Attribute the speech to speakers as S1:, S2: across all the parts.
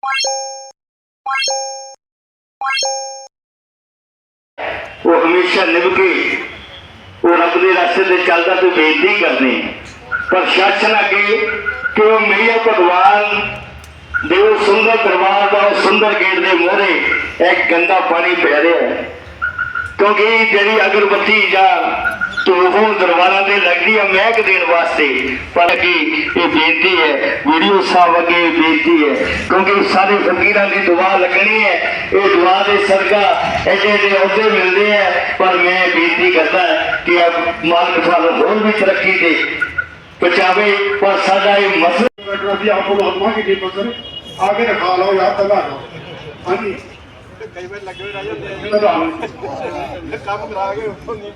S1: वो हमेशा निभ के वो रब के रास्ते से चलता तो बेनती करने प्रशासन अगे कि वो मैया भगवान दे सुंदर दरबार का सुंदर गेट के मोहरे एक गंदा पानी पै रहा है, क्योंकि जी अगरबत्ती या तो दरबार से लगती है महक देने वास्ते। पर कि ये बेनती है वीडियो साहब अगे बेनती है, क्योंकि सारे फकीर की दुआ लगनी है, ये दुआ के सदका एडे एडे अहदे मिलते हैं। पर मैं बेनती करता कि अब मालिक सानू होर भी तरक्की दे पहुंचावे। पर साडा ये मसला
S2: आगे रखा लो यार तला लो। हाँ जी
S3: कई बार लगे हुए रह काम करा के ਉੱਥੋਂ ਨਹੀਂ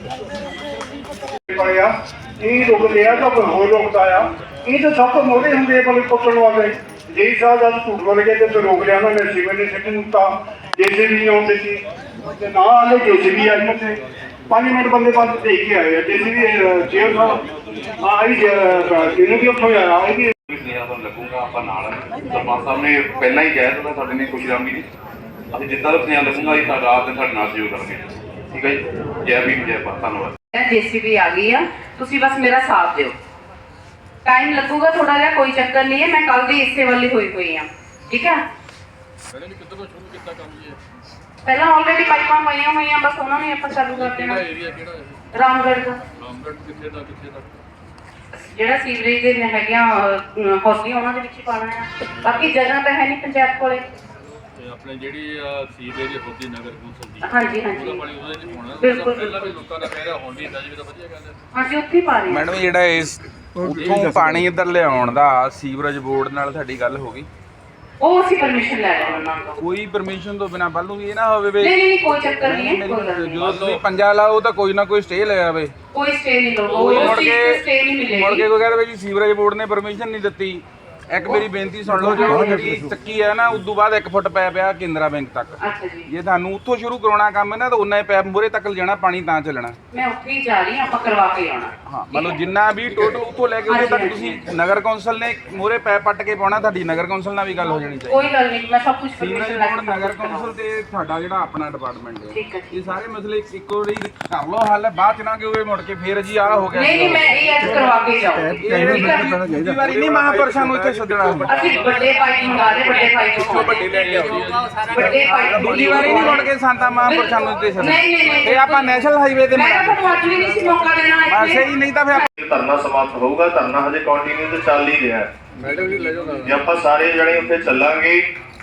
S2: पड़िया ये रुकते हैं तो कोई होर रुकता है। ये तो सब तो मोड़े होंगे पर पकड़ने वाले जी साहब जब झूठ बोल गए तो रोक लिया उन्होंने सीमेंट ने सिट दिता जेसीबी नहीं आती थी ना आले जेसीबी आई मुझे 5 मिनट बंदे पास देख के आए जेसीबी चेयर साहब आई इन्होंने भी ਉੱਥੋਂ आया आई भी
S4: ਤੁਹਾਨੂੰ ਲੱਗੂਗਾ ਆਪਾਂ ਨਾਲ ਸਰਪੰਚ ਸਾਹਿਬ ਨੇ ਪਹਿਲਾਂ ਹੀ ਕਹਿ ਦਿੱਤਾ ਸਾਡੇ ਨੇ ਖੁਸ਼ੀਰਾਮੀ ਜੀ ਅਸੀਂ ਜਿੱਦਾਂ ਦਾ ਸੁਨੇਹਾ ਲੱਗੂਗਾ ਅਸੀਂ ਤੁਹਾਡਾ ਆਪ ਦੇ ਸਾਡੇ ਨਾਲ ਸਹਿਯੋਗ ਕਰਾਂਗੇ। ਠੀਕ ਹੈ ਜੀ, ਜੈ ਭੀਮ ਜੈ ਭਾਰਤ, ਧੰਨਵਾਦ।
S5: जेसीबी आ गई है, तुसी बस मेरा साथ दिओ। टाइम लगूगा थोड़ा जिहा, कोई चक्कर नहीं है, मैं कल दी इसे वाली हुई हां, ठीक है। पहला ऑलरेडी पाइपां पईयां होईयां, बस उन्हां नूं आपां चालू कर देना। रामगढ़ दा किथे दा ਜਿਹੜਾ ਸੀਵਰੇਜ ਦੇ ਹੈਗੀਆਂ ਹੌਸਲੀਆਂ ਉਹਨਾਂ ਦੇ ਵਿੱਚ ਹੀ ਪਾਣਾ ਹੈ। ਬਾਕੀ ਜਗ੍ਹਾ ਤਾਂ ਹੈ ਨਹੀਂ ਪੰਚਾਇਤ ਕੋਲੇ।
S6: ਆਪਣੇ ਜਿਹੜੀ ਸੀਵਰੇਜ ਹੋਦੀ ਨਗਰ ਕੌਂਸਲ ਦੀ
S5: ਹਾਂਜੀ ਹਾਂਜੀ
S6: ਉਹਦਾ ਪਾਣੀ ਉਹਦੇ ਵਿੱਚ ਪਾਉਣਾ।
S5: ਬਿਲਕੁਲ
S6: ਪਹਿਲਾਂ ਵੀ ਲੋਕਾਂ ਦਾ ਕਹਿ ਰਿਹਾ ਹੁਣ ਵੀ ਇੰਦਾ ਜੀ ਤਾਂ ਵਧੀਆ ਗੱਲ ਹੈ।
S5: ਹਾਂਜੀ ਉੱਥੇ ਹੀ ਪਾ ਰਹੇ
S7: ਮੈਡਮ ਜਿਹੜਾ ਇਸ ਉੱਥੋਂ ਪਾਣੀ ਇੱਧਰ ਲਿਆਉਣ ਦਾ ਸੀਵਰੇਜ ਬੋਰਡ ਨਾਲ ਤੁਹਾਡੀ ਗੱਲ ਹੋ ਗਈ?
S5: ਉਹ ਅਸੀਂ ਪਰਮਿਸ਼ਨ ਲੈ ਰਹੇ ਹਾਂ ਉਹਨਾਂ ਤੋਂ।
S7: ਕੋਈ ਪਰਮਿਸ਼ਨ ਤੋਂ ਬਿਨਾਂ ਪਹਿਲੋਂ ਵੀ ਇਹ ਨਾ ਹੋਵੇ
S5: ਨਹੀਂ ਨਹੀਂ ਕੋਈ ਚੱਕਰ ਨਹੀਂ ਹੈ।
S7: ਜਦੋਂ ਤੁਸੀਂ ਪੰਜਾ ਲਾਓ ਤਾਂ ਕੋਈ ਨਾ ਕੋਈ ਸਟੇ ਲੈ ਆਵੇ।
S5: ਕੋਈ ਸਟੇ ਨਹੀਂ ਲਓ, ਕੋਈ ਸਟੇ ਨਹੀਂ ਮਿਲੇਗੀ।
S7: ਮੁੜ ਕੇ ਕੋਈ ਕਹਿੰਦਾ ਜੀ ਸੀਵਰੇਜ ਬੋਰਡ ਨੇ ਪਰਮਿਸ਼ਨ ਨਹੀਂ ਦਿੱਤੀ। ਇੱਕ ਮੇਰੀ ਬੇਨਤੀ ਸੁਣ ਲਓ, ਜਿਹੜੀ ਚੱਕੀ ਹੈ ਨਾ ਉਦੋਂ ਬਾਅਦ 1 ਫੁੱਟ ਪੈ ਪਿਆ ਕੇਂਦਰਾ ਬੈਂਕ ਤੱਕ।
S5: ਅੱਛਾ ਜੀ,
S7: ਜੇ ਤੁਹਾਨੂੰ ਉੱਥੋਂ ਸ਼ੁਰੂ ਕਰਾਉਣਾ ਕੰਮ ਹੈ ਨਾ ਤਾਂ ਉਨਾ ਹੀ ਪੈਪ ਮੂਹਰੇ ਤੱਕ ਲਿਜਾਣਾ, ਪਾਣੀ ਤਾਂ ਚੱਲਣਾ।
S5: ਮੈਂ ਉੱਥੇ ਹੀ ਜਾ ਰਹੀ ਹਾਂ, ਆਪਾਂ ਕਰਵਾ ਕੇ ਆਉਣਾ।
S7: ਹਾਂ ਮਤਲਬ ਜਿੰਨਾ ਵੀ ਟੋਟਲ ਉੱਥੋਂ ਲੈ ਕੇ ਉਦੋਂ ਤੱਕ ਤੁਸੀਂ ਨਗਰ ਕੌਂਸਲ ਨੇ ਮੂਹਰੇ ਪੈਪ ਪੱਟ ਕੇ ਪਾਉਣਾ। ਤੁਹਾਡੀ ਨਗਰ ਕੌਂਸਲ ਨਾਲ ਵੀ ਗੱਲ ਹੋ ਜਾਣੀ ਚਾਹੀਦੀ।
S5: ਕੋਈ ਗੱਲ ਨਹੀਂ, ਮੈਂ ਸਭ ਕੁਝ ਪਰਮਿਸ਼ਨ ਲੈ ਕੇ
S7: ਨਗਰ ਕੌਂਸਲ ਤੇ ਤੁਹਾਡਾ ਜਿਹੜਾ ਆਪਣਾ ਡਿਪਾਰਟਮੈਂਟ ਹੈ,
S5: ਠੀਕ ਹੈ।
S7: ਇਹ ਸਾਰੇ ਮਸਲੇ ਇੱਕੋ ਵਾਰੀ ਕਰ ਲਓ ਹੱਲ, ਬਾਅਦ ਚ ਨਾ ਕਿ ਮੁੜ ਕੇ ਫੇਰ ਜੀ ਆਹ ਹੋ ਗਿਆ।
S5: ਨਹੀਂ ਨਹੀਂ, ਮੈਂ ਇਹ ਅੱਜ ਕਰਵਾ ਕੇ ਜਾਊਂ।
S7: ਇਹ ਵਾਰੀ ਨਹੀਂ ਮਹਾਂਪੁਰਸ਼ਾਂ ਨੂੰ ਇੱਥੇ ਸੱਦਣਾ।
S5: ਅਸੀਂ ਵੱਡੇ ਪਾਈਪ ਮੰਗਾ ਰਹੇ, ਵੱਡੇ ਪਾਈਪ
S7: ਵੱਡੇ ਲੈ ਕੇ ਆਉਂਦੀ
S5: ਵੱਡੇ ਪਾਈਪ
S7: ਦੂਜੀ ਵਾਰੀ ਨਹੀਂ ਮੁੜ ਕੇ ਸੰਤਾ ਮਹਾਂਪੁਰਸ਼ਾਂ ਨੂੰ ਇੱਥੇ ਸੱਦਣਾ।
S5: ਨਹੀਂ ਨਹੀਂ ਨਹੀਂ,
S7: ਇਹ ਆਪਾਂ ਨੈਸ਼ਨਲ ਹਾਈਵੇ ਤੇ
S5: ਮੈਂ ਤੁਹਾਨੂੰ ਅੱਜ ਵੀ ਨਹੀਂ ਸੀ ਮੌਕਾ ਦੇਣਾ
S7: ਬਸ
S5: ਇੱਥੇ।
S7: ਹੀ ਨਹੀਂ ਤਾਂ ਫਿਰ
S1: ਧਰਨਾ ਸਮਾਪਤ ਹੋਊਗਾ। ਧਰਨਾ ਹਜੇ ਕੰਟੀਨਿਊ ਤੇ ਚੱਲ ਹੀ ਰਿਹਾ ਹੈ।
S3: ਮੈਡਮ ਜੀ ਲੈ ਜਾਓ
S1: ਜੇ ਆਪਾਂ ਸਾਰੇ ਜਣੇ ਉੱਥੇ ਚੱਲਾਂਗੇ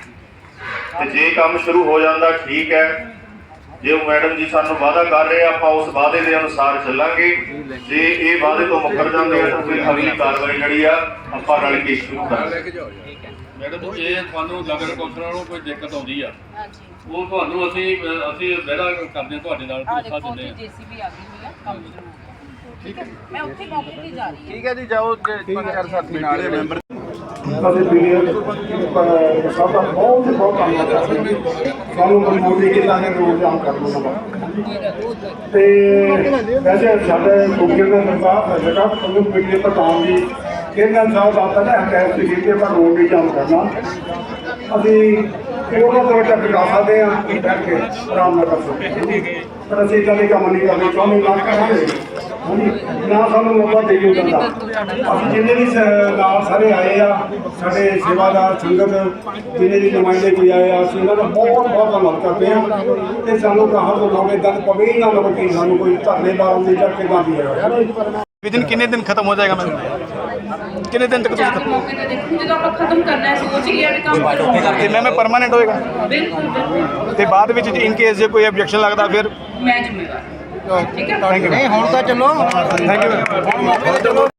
S1: ਤੇ ਜੇ ਕੰਮ ਸ਼ੁਰੂ ਹੋ ਜਾਂਦਾ ਠੀਕ ਹੈ। ਜੇ ਉਹ ਮੈਡਮ ਜੀ ਸਾਨੂੰ ਵਾਅਦਾ ਕਰ ਰਹੇ ਆ, ਆਪਾਂ ਉਸ ਵਾਅਦੇ ਦੇ ਅਨੁਸਾਰ ਚੱਲਾਂਗੇ। ਜੇ ਇਹ ਵਾਅਦੇ ਤੋਂ ਮੁੱਕਰ ਜਾਂਦੇ ਆ ਤਾਂ ਫਿਰ ਅਗਲੀ ਕਾਰਵਾਈ ਜਿਹੜੀ ਆ ਆਪਾਂ ਰਲ ਕੇ ਸ਼ੁਰੂ ਕਰਾਂਗੇ।
S6: ਮੈਡਮ ਜੇ ਤੁਹਾਨੂੰ ਨਗਰ ਕੌਂਸਲ ਨਾਲੋਂ ਕੋਈ ਦਿੱਕਤ ਆਉਂਦੀ ਆ ਉਹ ਤੁਹਾਨੂੰ ਅਸੀਂ ਵਿਹੜਾ ਕਰਦੇ ਹਾਂ ਤੁਹਾਡੇ ਨਾਲ ਭਰੋਸਾ ਦਿੰਦੇ ਹਾਂ।
S5: ਜੀਸੀਬੀ ਆ ਗਈ ਹੋਈ ਆ, ਕੰਮ ਸ਼ੁਰੂ ਹੋ ਠੀਕ ਹੈ। ਮੈਂ ਉੱਥੇ ਮੌਕੇ ਤੇ ਜਾ ਰਹੀ ਹਾਂ।
S7: ਠੀਕ ਹੈ ਜੀ, ਜਾਓ 5-4 ਸਾਥੀ ਨਾਲ ਦੇ ਮੈਂਬਰ।
S2: ਅਸੀਂ ਪੀਡੀਐਫ ਸਭ ਦਾ ਬਹੁਤ ਧੰਨਵਾਦ ਕਰਦੇ ਹਾਂ। ਸਾਨੂੰ ਮਨਜ਼ੂਰੀ ਕੀਤਾ ਹੈ ਰੋਜ਼ ਜਾਮ ਕਰ ਲਵਾਂਗਾ ਤੇ ਵੈਸੇ ਸਾਡੇ ਮੁਖੀਆ ਦਾ ਜਗ੍ਹਾ ਤੁਹਾਨੂੰ ਪੀਡੀਐਫ ਪ੍ਰਧਾਨ ਜੀ ਇਹਨਾਂ ਸਾਹਿਬ ਦਾ ਪਹਿਲਾਂ ਹਕਾਇਤ ਸੀ ਕਿ ਆਪਾਂ ਰੋਜ਼ ਵੀ ਜਾਮ ਕਰਨਾ। ਅਸੀਂ ਉਹਨਾਂ ਤੋਂ ਤੱਕ ਜਾ ਸਕਦੇ ਹਾਂ ਕਰਕੇ ਆਰਾਮ ਨਾਲ ਕਰ ਸਕਦੇ, ਪਰ ਅਸੀਂ ਕਦੇ ਕੰਮ ਨਹੀਂ ਕਰਦੇ ਚਾਹੁੰਦੇ ਨਾ ਕਰਾਂਗੇ ਨਾ ਸਾਨੂੰ ਮੌਕਾ ਦੇਈਓ ਜਾਂਦਾ। ਅਸੀਂ ਜਿੰਨੇ ਵੀ ਨਾਲ ਸਾਰੇ ਆਏ ਆ, ਸਾਡੇ ਸੇਵਾਦਾਰ ਸੰਗਤ ਜਿੰਨੇ ਵੀ ਨੁਮਾਇੰਦੇ ਕੋਈ ਆਏ ਆ, ਅਸੀਂ ਇਹਨਾਂ ਦਾ ਬਹੁਤ ਬਹੁਤ ਧੰਨਵਾਦ ਕਰਦੇ ਹਾਂ। ਤੇ ਸਾਨੂੰ ਕਹਾਂ ਤੋਂ ਲੋਕ ਇਦਾਂ ਪਵੇ ਹੀ ਨਾ ਲਵੇ ਕਿ ਸਾਨੂੰ ਕੋਈ ਧਰਨੇ ਬਾਰੇ ਦੀ ਜਾਂ ਕਿੱਦਾਂ ਦੀ ਹੈ।
S3: विदिन कितने दिन खत्म हो जाएगा मैम? कितने दिन तक
S5: ਮੌਕੇ ਤੇ ਦੇਖੋ ਜਦੋਂ ਆਪਾਂ ਖਤਮ ਕਰਨਾ ਹੈ ਸੋਚ ਲਿਆ ਵੀ ਕੰਮ ਕਰੋ।
S3: ਤੇ ਮੈਮ परमानेंट होएगा
S5: ਬਿਲਕੁਲ ਬਿਲਕੁਲ,
S3: ਤੇ ਬਾਅਦ ਵਿੱਚ ਇਨ ਕੇਸ ਜੇ ਕੋਈ ਆਬਜੈਕਸ਼ਨ ਲੱਗਦਾ ਫਿਰ?
S5: ਮੈਂ ਜ਼ਿੰਮੇਵਾਰ। ਠੀਕ ਹੈ।
S3: Thank you. ਨਹੀਂ ਹੁਣ ਤਾਂ ਚਲੋ, ਥੈਂਕ ਯੂ।